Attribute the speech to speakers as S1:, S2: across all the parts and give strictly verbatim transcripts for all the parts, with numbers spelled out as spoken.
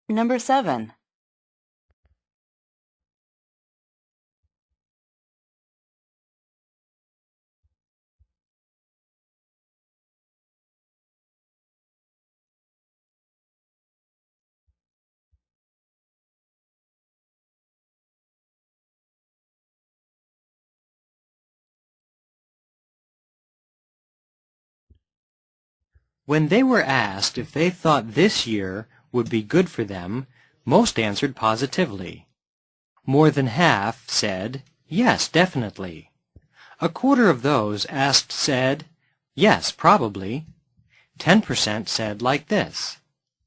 S1: Number seven.
S2: When they were asked if they thought this year would be good for them, most answered positively. More than half said, yes, definitely. A quarter of those asked said, yes, probably. Ten percent said like this.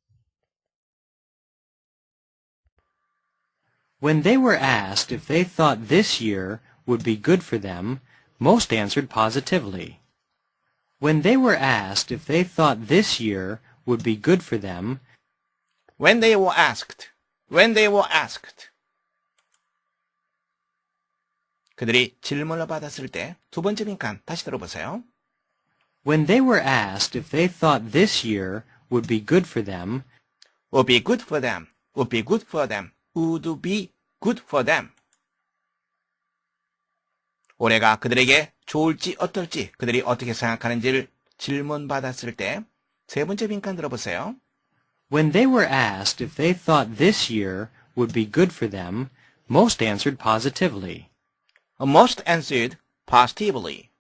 S2: When they were asked if they thought this year would be good for them, most answered positively. When they were asked if they thought this year would be good for them,
S3: When they were asked, when they were asked. 그들이 질문을 받았을 때 두 번째 빈칸 다시 들어보세요.
S2: when they were asked if they thought this year would be good for them,
S3: would be good for them, would be good for them, would be good for them. 올해가 그들에게 좋을지 어떨지 그들이 어떻게 생각하는지를 질문받았을 때 세 번째 빈칸 들어보세요.
S2: when they were asked if they thought this year would be good for them, most answered positively.
S3: Most answered positively.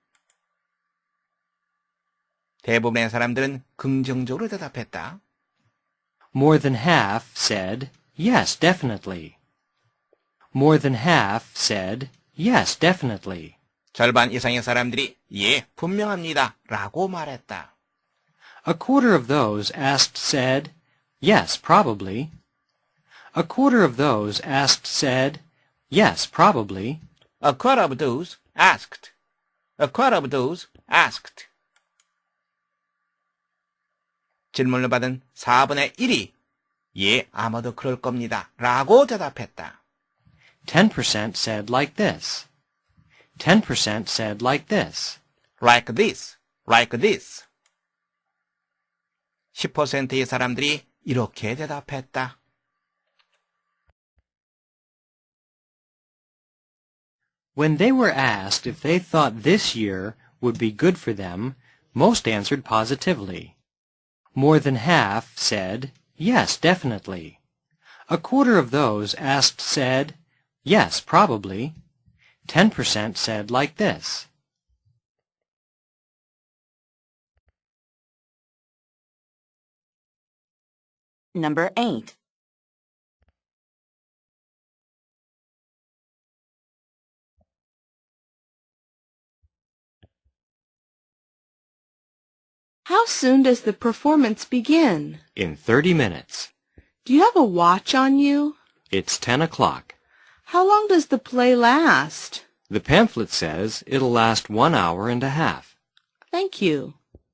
S3: 대부분의 사람들은 긍정적으로 대답했다.
S2: More than half said, yes, definitely. More than half said, yes, definitely.
S3: 절반 이상의 사람들이 예, 분명합니다 라고 말했다.
S2: A quarter of those asked said, yes, probably. A quarter of those asked said, yes, probably.
S3: A quarter of those asked. A quarter of those asked. 질문을 받은 사분의 일이 예, 아마도 그럴 겁니다 라고 대답했다.
S2: Ten percent said like this. Ten percent said like this.
S3: Like this, like this. 십 퍼센트의 사람들이 이렇게 대답했다.
S2: When they were asked if they thought this year would be good for them, most answered positively. More than half said, yes, definitely. A quarter of those asked said, yes, probably. Ten percent said like this.
S1: Number eight. How soon does the performance begin?
S2: In thirty minutes.
S1: Do you have a watch on you?
S2: It's ten o'clock.
S1: How long does the play last?
S2: The pamphlet says it'll last one hour and a half.
S1: Thank you.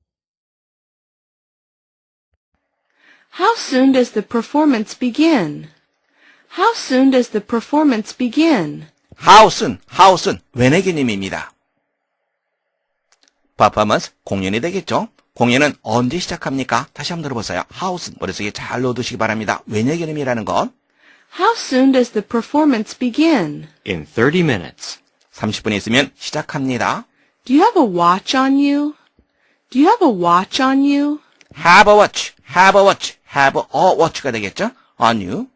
S1: How soon does the performance begin? How soon does the performance begin?
S3: How soon, how soon, when의 개념입니다. performance, 공연이 되겠죠? 공연은 언제 시작합니까? 다시 한번 들어보세요. How soon, 머릿속에 잘 넣어두시기 바랍니다. when의 개념이라는 건
S1: How soon does the performance begin?
S2: In thirty minutes.
S3: 삼십 분 있으면 시작합니다.
S1: Do you have a watch on you? Do you have a watch on you?
S3: Have a watch, have a watch, have a watch가 되겠죠? On you.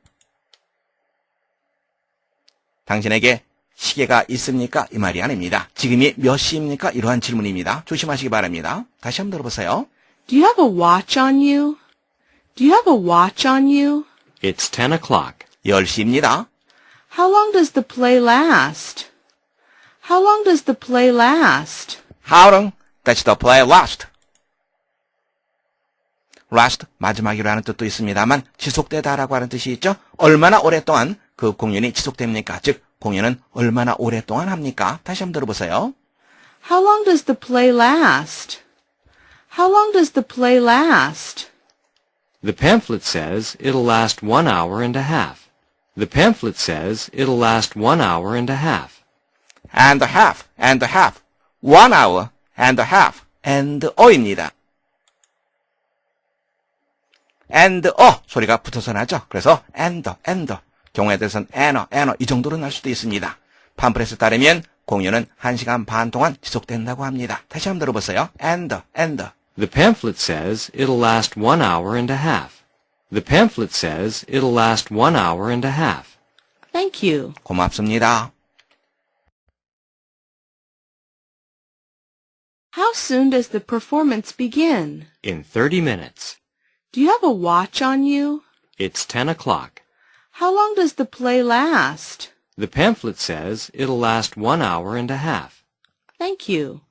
S3: 당신에게 시계가 있습니까? 이 말이 아닙니다. 지금이 몇 시입니까? 이러한 질문입니다. 조심하시기 바랍니다. 다시 한번 들어보세요.
S1: Do you have a watch on you? Do you have a watch on you?
S2: It's ten o'clock.
S3: 열 시입니다.
S1: How long does the play last? How long does the play last?
S3: How long does the play last? last, 마지막이라는 뜻도 있습니다만 지속되다라고 하는 뜻이 있죠. 얼마나 오랫동안 그 공연이 지속됩니까? 즉, 공연은 얼마나 오랫동안 합니까? 다시 한번 들어보세요.
S1: How long does the play last? How long does the play last?
S2: The pamphlet says it'll last one hour and a half. The pamphlet says it'll last one hour and a half.
S3: And a half, and a half, one hour, and a half, and 어입니다. and 어 소리가 붙어서 나죠. 그래서 and, and 경우에 대해서는 an어, an어 이 정도로 날 수도 있습니다. 팜플렛에 따르면 공연은 한 시간 반 동안 지속된다고 합니다. 다시 한번 들어보세요. and, and
S2: The pamphlet says it'll last one hour and a half. The pamphlet says it'll last one hour and a half.
S1: Thank you.
S3: 고맙습니다.
S1: How soon does the performance begin?
S2: In thirty minutes.
S1: Do you have a watch on you?
S2: It's ten o'clock.
S1: How long does the play last?
S2: The pamphlet says it'll last one hour and a half.
S1: Thank you.